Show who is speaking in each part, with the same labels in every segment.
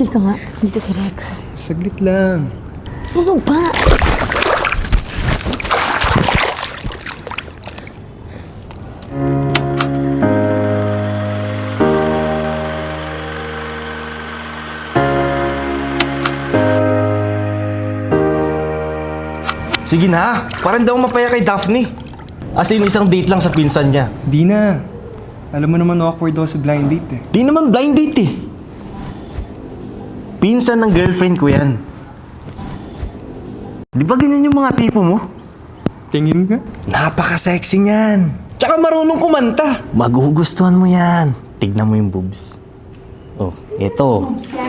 Speaker 1: Tumigil ka nga. Dito si Rex.
Speaker 2: Saglit lang.
Speaker 1: Ano ba?
Speaker 3: Sige na, parang daw mapaya kay Daphne. As in, isang date lang sa pinsan niya.
Speaker 2: Di na. Alam mo naman awkward daw sa blind date eh.
Speaker 3: Di naman blind date eh. Pinsan ng girlfriend ko yan. Di ba ganyan yung mga tipo mo?
Speaker 2: Tingin ka?
Speaker 3: Napaka-sexy niyan. Tsaka marunong kumanta. Magugustuhan mo yan. Tignan mo yung boobs. Oh, eto.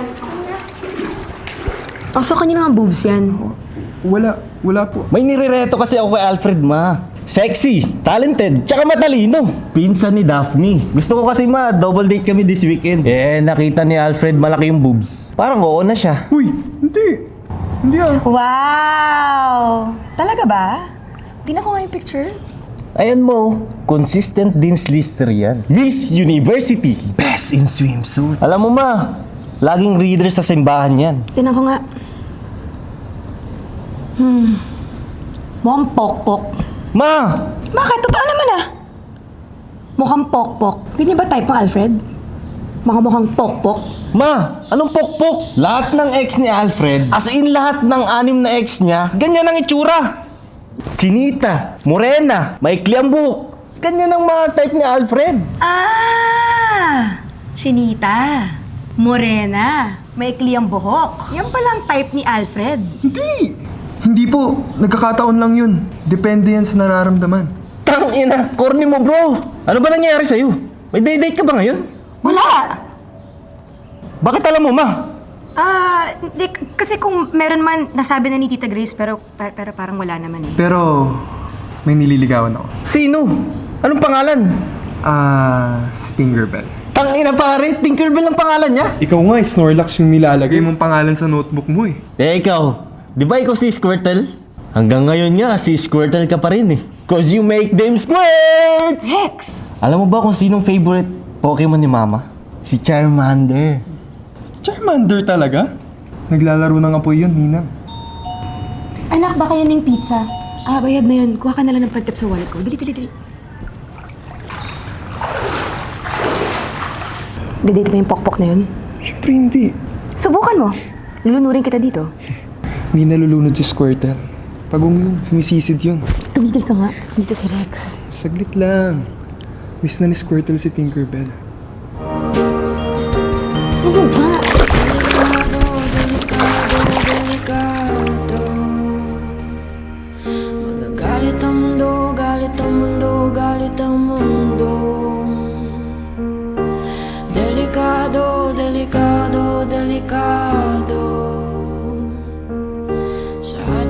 Speaker 1: Pasok kanina nga boobs yan.
Speaker 2: Wala po.
Speaker 3: May nirereto kasi ako kay Alfred, ma. Sexy, talented, tsaka matalino. Pinsan ni Daphne. Gusto ko kasi double date kami this weekend. Eh, nakita ni Alfred malaki yung boobs. Parang oo na siya.
Speaker 2: Uy, hindi. Hindi ah.
Speaker 4: Wow! Talaga ba? Tingnan ko nga yung picture.
Speaker 3: Ayan mo, consistent Dean's Lister yan. Miss University, best in swimsuit. Alam mo ma, laging reader sa simbahan yan.
Speaker 1: Tinan ko nga. Mukhang pokpok.
Speaker 3: Ma!
Speaker 4: Bakit? Totoo naman ah.
Speaker 1: Mukhang pokpok. Ganyan ba type mo, Alfred? Mukhang pokpok.
Speaker 3: Ma! Anong pokpok? Lahat ng ex ni Alfred, as in lahat ng 6 na ex niya, ganyan ang itsura. Chinita, morena, maikli ang buhok. Ganyan ang mga type ni Alfred.
Speaker 4: Ah! Shinita. Morena. Maikli ang buhok. Yan palang type ni Alfred.
Speaker 2: Hindi po. Nagkakataon lang yun. Depende yan sa nararamdaman.
Speaker 3: Tangina, corny mo bro. Ano ba nangyayari sa'yo? May date ka ba ngayon?
Speaker 4: Wala!
Speaker 3: Bakit alam mo ma?
Speaker 4: Hindi, kasi kung meron man, nasabi na ni Tita Grace, pero parang wala naman eh.
Speaker 2: Pero may nililigawan ako.
Speaker 3: Sino? Anong pangalan?
Speaker 2: Si Tinkerbell.
Speaker 3: Tangina pare, Tinkerbell ang pangalan niya.
Speaker 2: Ikaw nga, Snorlax yung nilalagay mong pangalan sa notebook mo eh.
Speaker 3: Ikaw, di ba ikaw si Squirtle? Hanggang ngayon nga, si Squirtle ka pa rin eh. Cause you make them squirt!
Speaker 4: Rex!
Speaker 3: Alam mo ba kung sinong favorite Pokemon ni Mama? Si Charmander.
Speaker 2: Charmander talaga? Naglalaro ng apoy yun, Ninang.
Speaker 1: Anak, baka yan yung pizza. Bayad na yun. Kuha ka na lang ng pagtip sa wallet ko. Dali. Didate mo yung pokpok na yun?
Speaker 2: Siyempre hindi.
Speaker 1: Subukan mo. Lulunurin kita dito.
Speaker 2: Hindi nalulunod si Squirtle. Pagong yun, sumisisid yun.
Speaker 1: Tumigil ka nga. Dito si Rex.
Speaker 2: Saglit lang. Miss na ni Squirtle si Tinkerbell.
Speaker 1: Ano ba?
Speaker 5: Magagalit ang mundo, galit ang mundo, galit ang mundo. Delikado, delikado, delikado. Sa